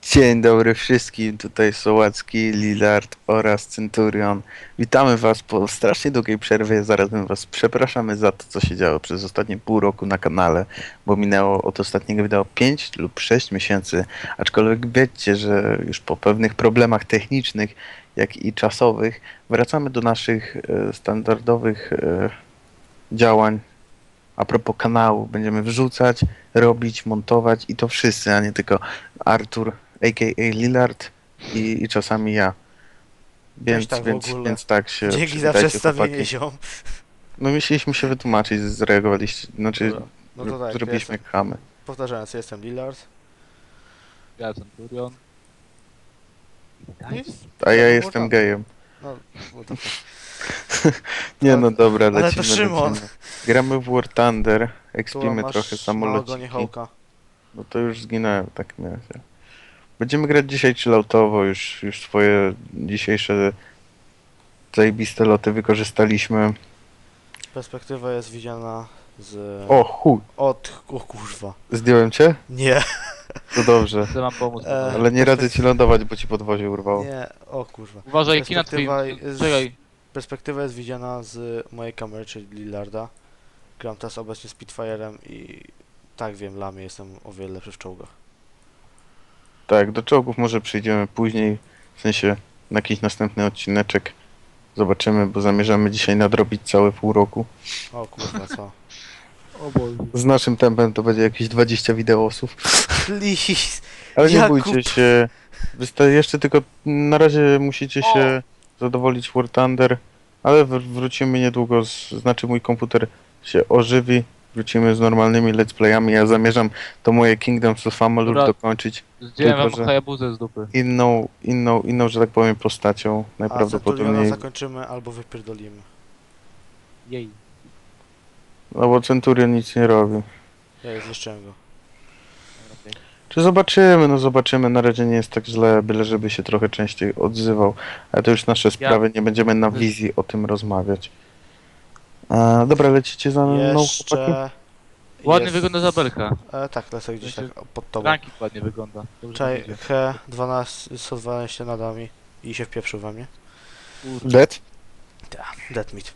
Dzień dobry wszystkim, tutaj Sołacki, Lillard oraz Centurion. Witamy was po strasznie długiej przerwie, zarazem was przepraszamy za to, co się działo przez ostatnie pół roku na kanale, bo minęło od ostatniego wideo 5 lub 6 miesięcy, aczkolwiek wiecie, że już po pewnych problemach technicznych, jak i czasowych, wracamy do naszych standardowych działań. A propos kanału, będziemy wrzucać, robić, montować i to wszyscy, a nie tylko Artur, a.k.a. Lillard i czasami ja. Weź tak w ogóle. Więc tak się Dzięki za przywitajcie, przedstawienie, chłopaki. ziom. No musieliśmy się wytłumaczyć, zareagowaliście, znaczy Dobra. No to tak, zrobiliśmy jestem. chamy. Powtarzając, jestem Lillard. Ja Centurion. I... A ja no, jestem tak. gejem. No, bo to... Nie no dobra, Ale lecimy, to Szymon. lecimy. Gramy w War Thunder, Tu ekspimy masz trochę małego samolociki. niechołka. No to już zginąłem w takim razie. Będziemy grać dzisiaj chilloutowo, już swoje dzisiejsze zajebiste loty wykorzystaliśmy. Perspektywa jest widziana z... O chuj, O kurwa. zdjąłem cię? Nie. To dobrze. Chcę wam pomóc. Ale nie radzę ci lądować, bo ci podwozie urwało. Nie, o kurwa. Uważaj, kina twoim... Perspektywa jest- Czekaj. Perspektywa jest widziana z mojej kamery, czyli Lillarda. Gram teraz obecnie Spitfire'em i... Tak wiem, Lamie jestem o wiele lepszy w czołgach. Tak, do czołgów może przyjdziemy później, w sensie na jakiś następny odcineczek. Zobaczymy, bo zamierzamy dzisiaj nadrobić całe pół roku. O kurwa, co? O Boże. Z naszym tempem to będzie jakieś 20 wideosów. Please! Ale nie Jakub. bójcie się. Jeszcze tylko na razie musicie się zadowolić War Thunder, ale wrócimy niedługo, znaczy mój komputer się ożywi. Wrócimy z normalnymi let's playami. Ja zamierzam to moje Kingdoms of Amalur Dobra. dokończyć Zdjąłem Tylko, wam że- Hayabuzę z dupy. inną, że tak powiem, postacią. A Centuriona Najprawdopodobniej. zakończymy albo wypierdolimy. Jej. No bo Centurion nic nie robi. Ja zniszczyłem go. Czy zobaczymy? No zobaczymy. Na razie nie jest tak źle, byle żeby się trochę częściej odzywał. Ale to już nasze sprawy, nie będziemy na wizji o tym rozmawiać. Dobra, lecicie za mną, chłopaki? Jeszcze... Ładnie jest- wygląda zabelka. Tak, lecę gdzieś tak pod tobą. Ranking ładnie wygląda. Dobrze Czaj, idzie. he, 12, 112 nadami i się wpieprzył we mnie. Dead? Dead meat.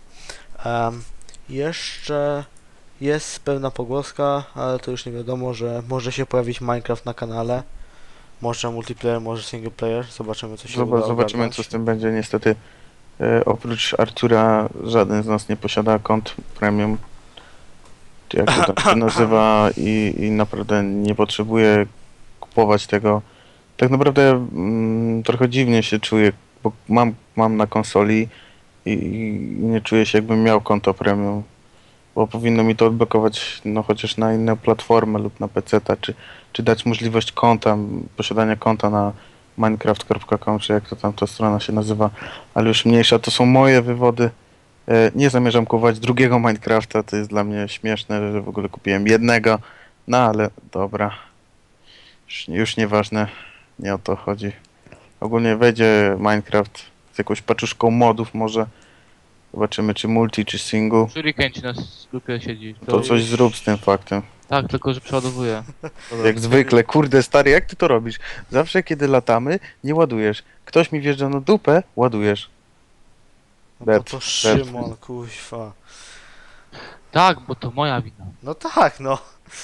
Jeszcze jest pewna pogłoska, ale to już nie wiadomo, że może się pojawić Minecraft na kanale. Może multiplayer, może single player. Zobaczymy, co się uda Zobaczymy, ogarnąć. co z tym będzie. Niestety, oprócz Artura, żaden z nas nie posiada kont premium. Czy jak to tam się nazywa i naprawdę nie potrzebuje kupować tego. Tak naprawdę trochę dziwnie się czuję, bo mam na konsoli i nie czuję się, jakbym miał konto premium. Bo powinno mi to odblokować no chociaż na inne platformy lub na PC-ta, czy dać możliwość konta, posiadania konta na minecraft.com, czy jak to tam ta strona się nazywa, ale już mniejsza, to są moje wywody. Nie zamierzam kupować drugiego Minecrafta, to jest dla mnie śmieszne, że w ogóle kupiłem jednego, no ale dobra, już nieważne, nie o to chodzi. Ogólnie wejdzie Minecraft z jakąś paczuszką modów może, zobaczymy czy multi, czy single. Shuriken ci na dupie siedzi. To coś zrób z tym faktem. Tak, tylko że przeładowuje. Dobra. Jak zwykle, kurde stary, jak ty to robisz? Zawsze kiedy latamy, nie ładujesz. Ktoś mi wjeżdża na dupę, ładujesz. No Dead, to Szymon, kuźwa. Tak, bo to moja wina. No tak, no.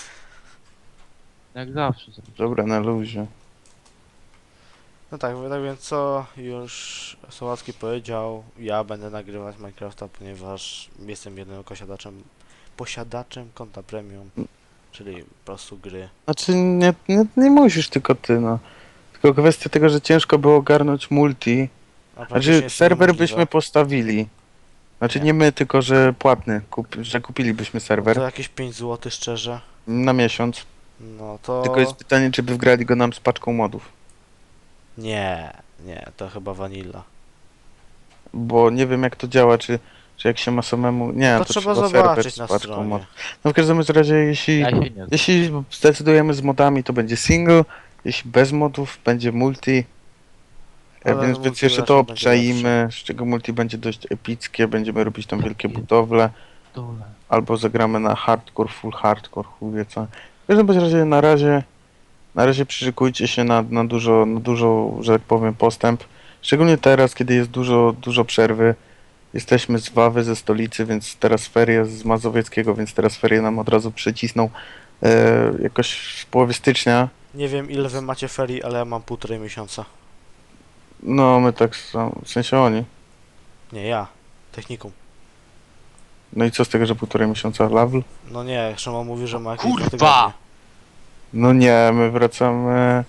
Jak zawsze. Dobra, na luzie. No tak, tak więc co już Sałacki powiedział, ja będę nagrywać Minecrafta, ponieważ jestem jedynym posiadaczem konta premium, czyli po prostu gry. Znaczy, nie musisz tylko ty, no. Tylko kwestia tego, że ciężko było ogarnąć multi. A praktycznie Znaczy, jest to serwer niemożliwe. byśmy postawili. Znaczy, Nie. nie my, tylko że płatny, że kupilibyśmy serwer To jakieś 5 zł szczerze. na miesiąc. No to... Tylko jest pytanie, czy by wgrali go nam z paczką modów. Nie, to chyba vanilla. Bo nie wiem jak to działa, czy jak się ma samemu... Nie, To to trzeba serwer zobaczyć z na paczką stronie. mod. No w każdym razie, jeśli... Ja się nie znam. Jeśli zdecydujemy z modami, to będzie single, jeśli bez modów, będzie multi. Ale Więc multi jeszcze raczej to będzie obczaimy, z czego multi będzie dość epickie, będziemy robić tam wielkie budowle, Dole. albo zagramy na hardcore, full hardcore, chuj wie co. W każdym bądź razie na razie Na razie przyszykujcie się na dużo, że tak powiem, postęp. Szczególnie teraz, kiedy jest dużo przerwy. Jesteśmy z Wawy, ze stolicy, więc teraz ferie z Mazowieckiego, więc teraz ferie nam od razu przycisną jakoś w połowie stycznia. Nie wiem ile wy macie ferii, ale ja mam 1,5 miesiąca. No, my tak, w sensie oni. Nie, ja. Technikum. No i co z tego, że 1,5 miesiąca level? No nie, Szymon mówi, że ma jakieś Kurwa! 2 tygodnie. No nie, my wracamy...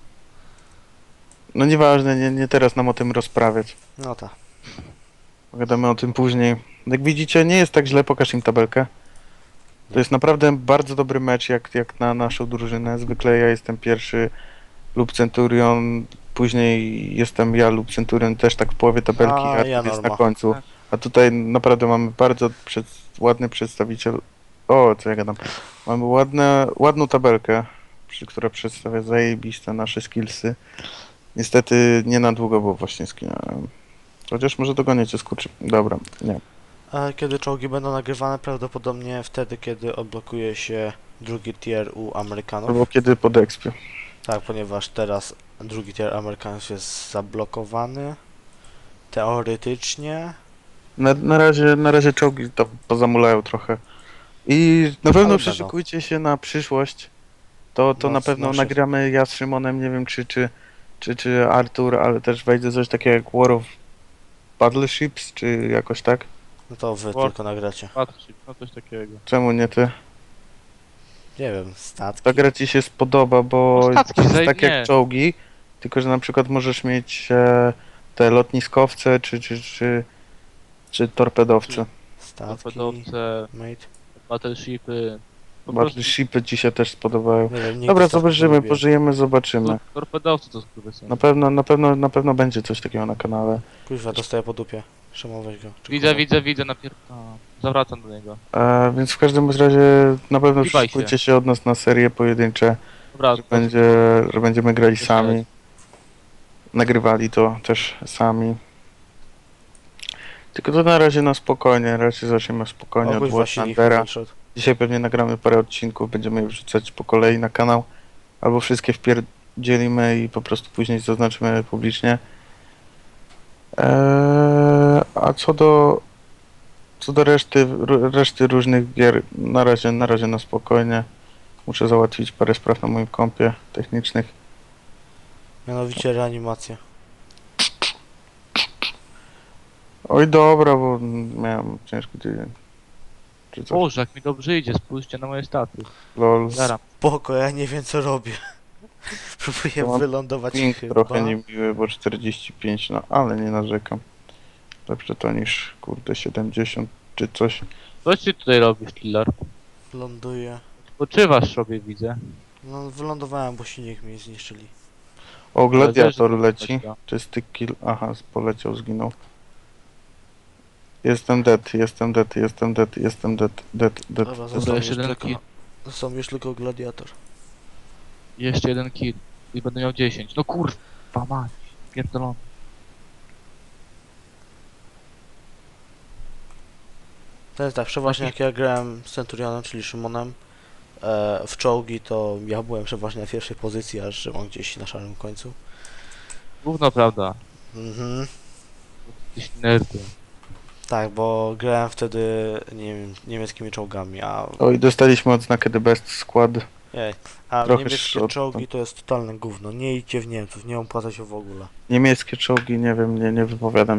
No nieważne, nie teraz nam o tym rozprawiać. No tak. Pogadamy o tym później. Jak widzicie, nie jest tak źle, pokaż im tabelkę. To jest naprawdę bardzo dobry mecz jak na naszą drużynę. Zwykle ja jestem pierwszy lub Centurion, później jestem ja lub Centurion też tak w połowie tabelki, A, a ja jest na norma. końcu. Tak. A tutaj naprawdę mamy bardzo ładny przedstawiciel. O, co ja gadam. Mamy ładną tabelkę, która przedstawia zajebiste nasze skillsy. Niestety nie na długo, bo właśnie skinąłem. Chociaż może dogoniecie skurczy. Dobra, nie. A kiedy czołgi będą nagrywane? Prawdopodobnie wtedy, kiedy odblokuje się drugi tier u Amerykanów. Albo kiedy pod expie. Tak, ponieważ teraz drugi tier Amerykanów jest zablokowany. Teoretycznie. Na razie czołgi to pozamulają trochę. I na pewno Ale przyszykujcie się na przyszłość. To No, na pewno no się- nagramy ja z Szymonem, nie wiem czy Artur, ale też wejdzie coś takiego jak War of Battleships, czy jakoś tak. No to wy War- tylko nagracie. Patrzcie, no coś takiego. Czemu nie ty? Nie wiem, statki. Ta gra ci się spodoba, bo No statki, to jest zaj- tak nie. jak czołgi, tylko że na przykład możesz mieć te lotniskowce, czy torpedowce. Statki. Torpedowce, Mate. battleshipy. Po prostu Battleshipy ci się też spodobają. Nie wiem, nigdy Dobra, statków nie zobaczymy, lubiłem. pożyjemy, zobaczymy. torpedowce to skurwysyny. Na pewno będzie coś takiego na kanale. Kuźwa, dostaję po dupie. Szymon, weź go. Czy Widzę, zawracam do niego. Więc w każdym razie na pewno Kiwaj się. szykujcie się od nas na serie pojedyncze, Dobra, że będziemy grali Jeszcze sami. raz. Nagrywali to też sami. Tylko to na razie na spokojnie, raczej zaczniemy spokojnie O od kuźwa, War silnik Thundera. wyszedł. Dzisiaj pewnie nagramy parę odcinków, będziemy je wrzucać po kolei na kanał. Albo wszystkie wpierdzielimy i po prostu później zaznaczymy publicznie. A co do reszty różnych gier, na razie na spokojnie. Muszę załatwić parę spraw na moim kompie technicznych. Mianowicie reanimacja. Oj dobra, bo miałem ciężki tydzień. Czy coś, Boże, jak mi dobrze idzie, spójrzcie na moje staty. lol. Zaram. Spoko, ja nie wiem co robię. Próbuję To mam wylądować Ping chyba. trochę niemiły, bo 45, no ale nie narzekam. Lepsze to niż kurde 70 czy coś. Co ty tutaj robisz, killer? Ląduję. Poczywasz sobie, widzę. No wylądowałem, bo silnik mi zniszczyli. O, gladiator Ale leci. zależy, Czysty kill. Aha, poleciał, zginął. Jestem dead. Dobra, został jeszcze już jeden tylko... kill. Został już tylko gladiator. Jeszcze jeden kill. I będę miał 10. No kurwa mać. Pierdolony. To jest tak, przeważnie jak ja grałem z Centurionem, czyli Szymonem, w czołgi to ja byłem przeważnie na pierwszej pozycji, a Szymon gdzieś na szarym końcu. Gówno prawda. Mhm. Jesteś nerdem. Tak, bo grałem wtedy, nie wiem, niemieckimi czołgami, O, i dostaliśmy odznakę The Best Squad. a trochę niemieckie szrot, czołgi to jest totalne gówno. Nie idźcie w Niemców, nie opłaca się w ogóle. Niemieckie czołgi, nie wiem, nie wypowiadam